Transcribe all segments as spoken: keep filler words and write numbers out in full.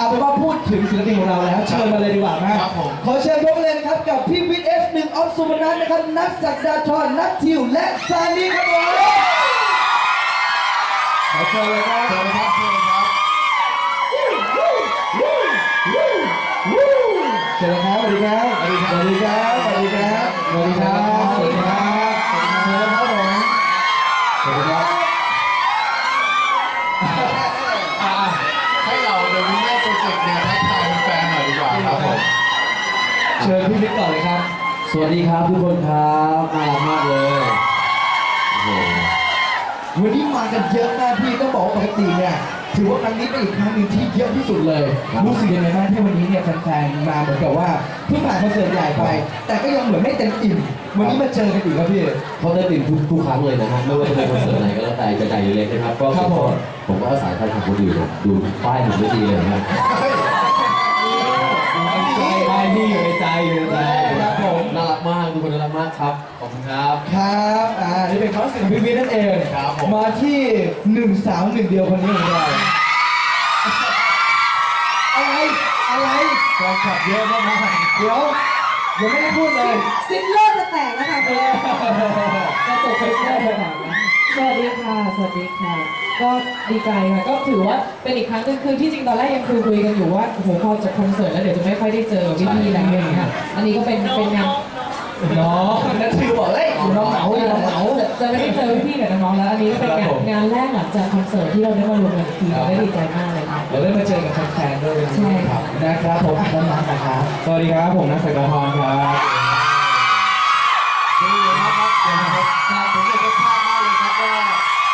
เป็นว่าพูดถึงศิลปินของเราแล้วเชิญมาเลยดีกว่านะครับผมขอเชิญพบกันเลยนะครับกับพี่วิทย์ เอฟ หนึ่ง ออฟสุวรรณันท์นะครับนัทศักดาธรนัททิวและซานีครับผมขอเชิญเลยครับเชิญครับเชิญครับเชิญครับสวัสดีครับสวัสดีครับสวัสดีครับสวัสดีครับสวัสดีครับสวัสดีครับผมสวัสดีครับให้เราเดวินเนอร์โปรเจกต์เนี่ยทักทายแฟนหน่อยดีกว่าครับผมเชิญพี่วิทย์ก่อนเลยครับสวัสดีครับทุกคนครับน่ารักมากเลยโอ้โหวันนี้มากันเยอะมากพี่ต้องบอกว่าปกติเนี่ยถือว่าครั้งนี้เป็นอีกครั้งหนึ่งที่เยอะที่สุดเลยรู้สึกยังไงบ้างที่วันนี้เนี่ยแฟนๆมาเหมือนกับว่าเพิ่งผ่านคอนเสิร์ตใหญ่ไปแต่ก็ยังเหมือนไม่เต็มอิ่มวันนี้มาเจอกันอีกครับพี่เขาได้ตื่นทุกทุกครั้งเลยนะฮะไม่ว่าจะเป็นคอนเสิร์ตไหนก็แล้วแต่จะใหญ่หรือเล็กนะครับก็ผมก็ผมก็อาศัยแฟนคลับคนอื่นดูป้ายผมไม่ดีเลยนะป้ายนี่อยู่ในใจอยู่ในใจครับผมน่ารักมากทุกคนน่ารักมากครับขอบคุณครับครับอ่านี่เป็นความรู้สึกของพี่วิทย์นั่นเองมาที่หนึ่งสาวหนึ่งเดียวคนนี้ของเราอะไรอะไรแฟนคลับเยอะมากเดี๋ยวยังไม่ได้พูดเลยซิปเลอร์จะแตกนะคะเพื่อนจะจบซิปเลอร์จะแตกนะสวัสดีค่ะสวัสดีค่ะก็ดีใจค่ะก็ถือว่าเป็นอีกครั้งนึงคือที่จริงตอนแรกยังคุยคุยกันอยู่ว่าโอ้โหพอจบคอนเสิร์ตแล้วเดี๋ยวจะไม่ค่อยได้เจอพี่ๆแล้วอย่างเงี้ยอันนี้ก็เป็นเป็นงานน้องนั่นคือบอกเลยน้องเหงาน้องเหงาจะไม่ได้เจอพี่ๆกับน้องๆแล้วอันนี้ก็เป็นงานงานแรกหลังจากคอนเสิร์ตที่เราได้มารวมกันอีกทีเราได้ดีใจมากเลยค่ะเราได้มาเจอกับแฟนๆด้วยใช่ครับนะครับผมอ่ะน้องๆนะครับสวัสดีครับผมนัทศักดาธรครับดีครับครับผมอยากจะทราบมากเลยครับว่า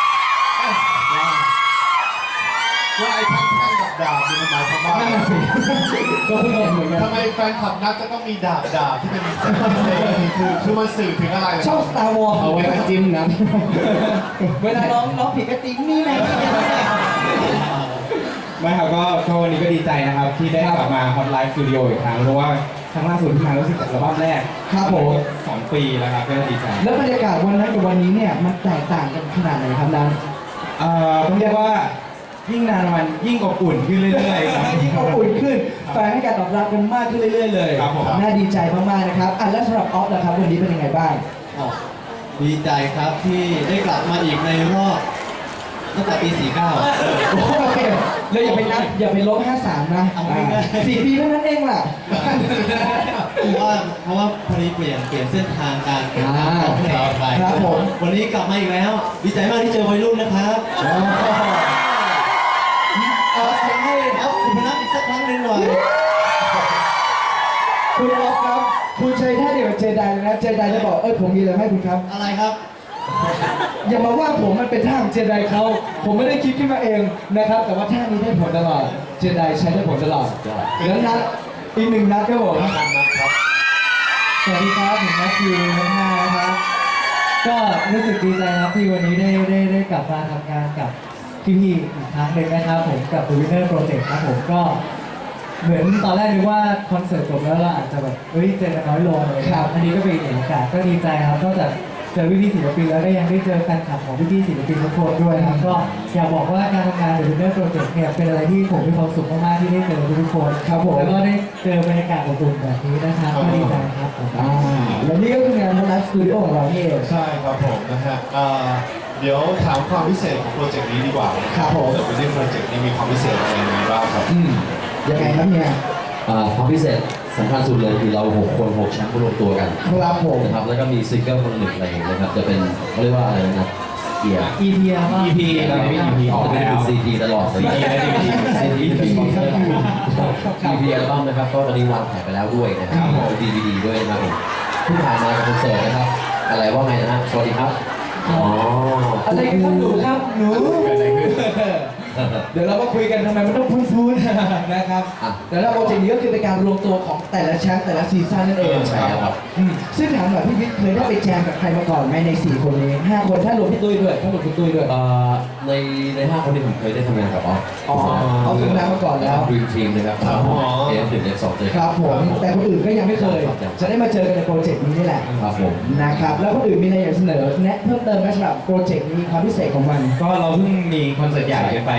ว่าไอ้ทั้งแท่งกับดาบนี่มันหมายความว่าก็เพิ่งเห็นเหมือนกันทำไมแฟนคลับนักจะต้องมีดาบดาบที่เป็นเส้นเส้นคือคือมันสื่อถึงอะไรชอบ Star Wars เอาไว้จิ้มนะเวลาน้องน้องผิดกตินี่ไงไม่ครับก็ก็วันนี้ก็ดีใจนะครับที่ได้กลับมา Hot Live Studio อีกครั้งเพราะว่าครั้งล่าสุดที่มารู้สึกอัลบั้มแรกครับผมสองปีแล้วครับก็ดีใจแล้วบรรยากาศวันนั้นกับวันนี้เนี่ยมันแตกต่างกันขนาดไหนครับนั้นเอ่อต้องเรียกว่ายิ่งนานวันยิ่งอบอุ่นขึ้นเรื่อยๆครับยิ่งอบอุ่นขึ้นแฟนให้การตอบรับกันมากขึ้นเรื่อยๆเลยครับผมน่าดีใจมากๆนะครับอ่ะแล้วสำหรับออฟล่ะครับวันนี้เป็นยังไงบ้างดีใจครับที่ได้กลับมาอีกในรอบตั้งแต่ปีสี่สิบเก้าโอเคเลยอย่าไปนับอย่าไปลบห้าสิบสามนะสี่ปีเท่านั้นเองล่ะเพราะว่าเพราะว่าพอดีเปลี่ยนเปลี่ยนเส้นทางการเปลี่ยนทางของเพลงไปครับผมวันนี้กลับมาอีกแล้วดีใจมากที่เจอวัยรุ่นนะครับขอเสียงให้ครับคุณพนักอีกสักครั้งหนึ่งหน่อยคุณอ๊อฟครับคุณใช้ท่าเดียวกับเจไดเลยนะเจไดจะบอกเอ้ยผมมีอะไรให้คุณครับอะไรครับอย่ามาว่าผมมันเป็นท่าของเจไดเขาผมไม่ได้คิดขึ้นมาเองนะครับแต่ว่าท่านี้ได้ผลตลอดเจไดใช้ได้ผลตลอดแล้วนัดอีกหนึ่งนัดครับผมสวัสดีครับผมนัทคิวทั้งห้านะครับก็รู้สึกดีใจครับที่วันนี้ได้ได้ได้กลับมาทำงานกับพี่ๆอีกครั้งหนึ่งนะครับผมกับ The Winner Project ครับผมก็เหมือนตอนแรกนึกว่าคอนเสิร์ตจบแล้วเราอาจจะแบบเฮ้ยเจอกันน้อยลงเลยครับอันนี้ก็เป็นอีกโอกาสก็ดีใจครับนอกจากเจอพี่ๆศิลปินแล้วก็ยังได้เจอแฟนคลับของพี่ๆศิลปินทุกคนด้วยครับก็อยากบอกว่าการทำงาน The Winner Project เนี่ยเป็นอะไรที่ผมมีความสุขมากๆที่ได้เจอทุกคนครับผมแล้วก็ได้เจอบรรยากาศอบอุ่นแบบนี้นะครับก็ดีใจครับอ่าและนี่ก็คืองานไลฟ์สตูดิโอของเรานี่เองใช่ครับผมนะฮะเดี๋ยวถามความพิเศษของโปรเจกต์นี้ดีกว่าครับผมแต่เป็นโปรเจกต์นี้มีความพิเศษอะไรยังไงบ้างครับอืมยังไงครับเนี่ยความพิเศษสำคัญสุดเลยคือเราหกคนหกแชมป์รวมตัวกันครับผมนะครับแล้วก็มีซิงเกิลคนหนึ่งเพลงนะครับจะเป็นเขาเรียกว่าอะไรนะเกียร์อี พีอี พี แล้วมี อี พี ออกจะเป็นซีดีตลอดเลยซีดีซีดีเป็นคอนเสิร์ตอี พี อัลบั้มนะครับก็ตอนนี้วางขายไปแล้วด้วยนะครับดี วี ดีด้วยนะครับผมที่ผ่านมาคอนเสิร์ตนะครับอะไรว่าไงนะสวัสดีครับอ๋ออะไรกันครับหนูครับหนูเดี๋ยวเรามาคุยกันทำไมมันต้องพูดๆนะครับแต่ละโปรเจกต์นี้ก็คือเป็นการรวมตัวของแต่ละแชมป์แต่ละซีซั่นนั่นเองใช่ครับซึ่งถามหน่อยพี่วิทย์เคยได้ไปแจมกับใครมาก่อนไหมในสี่คนนี้ห้าคนถ้ารวมพี่ตุ้ยด้วยทั้งหมดพี่ตุ้ยด้วยในในห้าคนนี้ผมเคยได้ทำงานกับออฟอ๋อเอาทำงานมาก่อนแล้วดรีมทีมนะครับเอฟหนึ่งเอฟสองเลยครับผมแต่คนอื่นก็ยังไม่เคยจะได้มาเจอกันในโปรเจกต์นี้นี่แหละครับผมนะครับแล้วคนอื่นมีอะไรอยากเสนอแนะเพิ่มเติมไหมสำหรับโปรเจกต์นี้ความพิเศษของมันก็เราเพิ่งมีคอนเสิร์ตใหญ่กันไป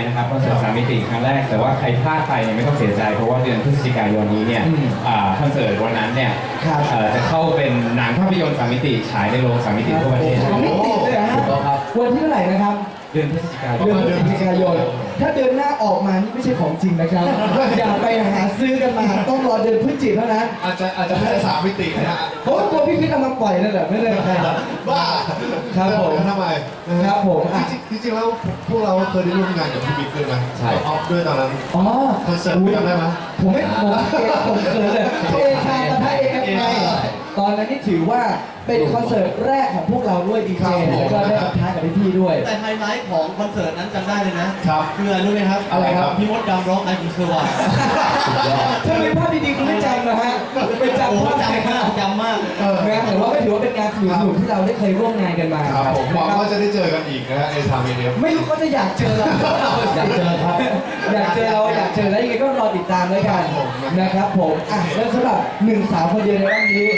นะครับคอนเสิร์ตสามมิติครั้งแรกแต่ว่าใครพลาดไปเนี่ยไม่ต้องเสียใจเพราะว่าเดือนพฤศจิกายนนี้เนี่ยอืมอ่าคอนเสิร์ตวันนั้นเนี่ยครับเอ่อจะเข้าเป็นหนังภาพยนตร์สามมิติฉายในโรงสามมิติทั่วประเทศสามมิติเลยนะฮะถูกต้องครับวันที่เท่าไหร่นะครับเดือนพฤศจิกายนเดือนพฤศจิกายน ถ้าเดือนหน้าออกมานี่ไม่ใช่ของจริงนะครับ อย่าไปหาซื้อกันมา ต้องรอเดือนพฤศจิกายนเท่านั้นอาจจะอาจจะไม่ได้สามมิตินะฮะเพราะว่าตัวพี่พิษเอามาปล่อยนั่นแหละไม่ได้ใครบ้าครับผมทำไมนะฮะครับผมอ่ะจริงๆจริงๆแล้วพวกเราเคยได้ร่วมงานกับพี่บิ๊กด้วยนะใช่ออฟด้วยตอนนั้นอ๋อคอนเสิร์ตจำได้ไหมผมไม่ผมเอผมเขินเลยเอชาปะทะเอฟไอตอนนั้นนี่ถือว่าเป็นคอนเสิร์ตแรกของพวกเราด้วยดีเจแล้วก็ได้ปะทะกับพี่ๆด้วยแต่ไฮไลท์ของคอนเสิร์ตนั้นจำได้เลยนะครับ คืออะไรรู้ไหมครับอะไรครับพี่มดดำร้องไอคุณสวัสดิ์ถ้าเป็นภาพดีๆคุณไม่จำนะฮะไปโอ้จำโหภาพจำมากจำมากเออนะแต่ว่าก็ถือว่าเป็นงานสนุกๆที่เราได้เคยร่วมงานกันมาครับผมหวังนะว่าจะได้เจอกันอีกนะฮะในทางเอเอฟไม่รู้เขาจะอยากเจอเราอยากเจอครับอยากเจอเราอยากเจอแล้วยังไงก็รอติดตามด้วยกันนะครับผมอ่ะแล้วสำหรับหนึ่งสาวคนเดียวในวันนี้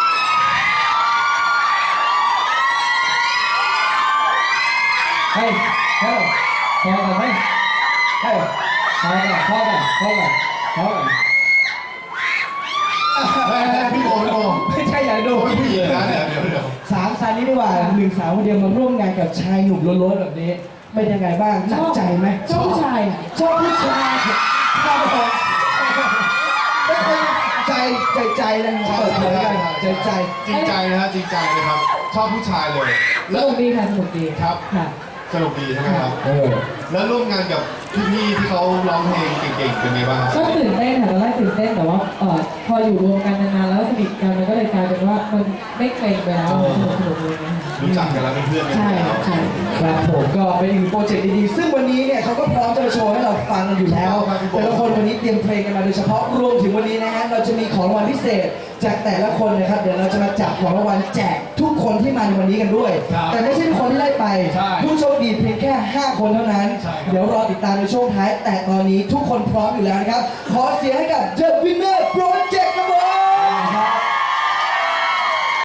เฮ้ยเฮ้ยพอกันไหมเฮ้ยพอกันพอกันพอกันพอกันพี่โมพี่โมไม่ใช่อย่าดูพี่ผู้หญิงนะเดี๋ยวเดี๋ยวเดี๋ยวสามสายนี้ดีกว่าหนึ่งสาวคนเดียวมาร่วมงานกับชายหนุ่มล้วนๆแบบนี้ เป็นยังไงบ้างหนักใจไหมชอบผู้ชายอ่ะชอบผู้ชายครับผมไม่เคยใจใจใจนะเปิดเผยกันใจใจจริงใจนะฮะจริงใจนะครับ ชอบผู้ชายเลยสแล้วนุกดีค่ะสนุกดีครับค่ะสนุกดีใช่ไหมครับเออแล้วร่วมงานกับพี่ๆที่เขาร้องเพลงเก่งๆเป็นไงบ้างครับก็ตื่นเต้นค่ะตอนแรกตื่นเต้นแต่ว่าเอ่อพออยู่รวมกันนานๆแล้วสนิทกันมันก็เลยกลายเป็นว่ามันไม่เกรงไปแล้วสนุกสนุกเลยนะคะรู้จักกันแล้วเป็นเพื่อนกันใช่แล้วใช่ครับผมก็เป็นอีกโปรเจกต์ดีๆซึ่งวันนี้เนี่ยเขาก็พร้อมจะมาโชว์ให้เราฟังกันอยู่แล้วแต่ละคนวันนี้เตรียมเพลงกันมาโดยเฉพาะรวมถึงวันนี้นะฮะเราจะมีของรางวัลพิเศษจากแต่ละคนนะครับเดี๋ยวเราจะมาจับของรางวัลแจกทุกคนที่มาในวันนี้กันด้วย แต่ไม่ใช่ทุกคนที่ได้ไป ผู้โชคดีเพียงแค่ห้าคนเท่านั้น เดี๋ยวรอติดตามในช่วงท้าย แต่ตอนนี้ทุกคนพร้อมอยู่แล้วนะครับ ขอเสียงให้กับ The Winner Project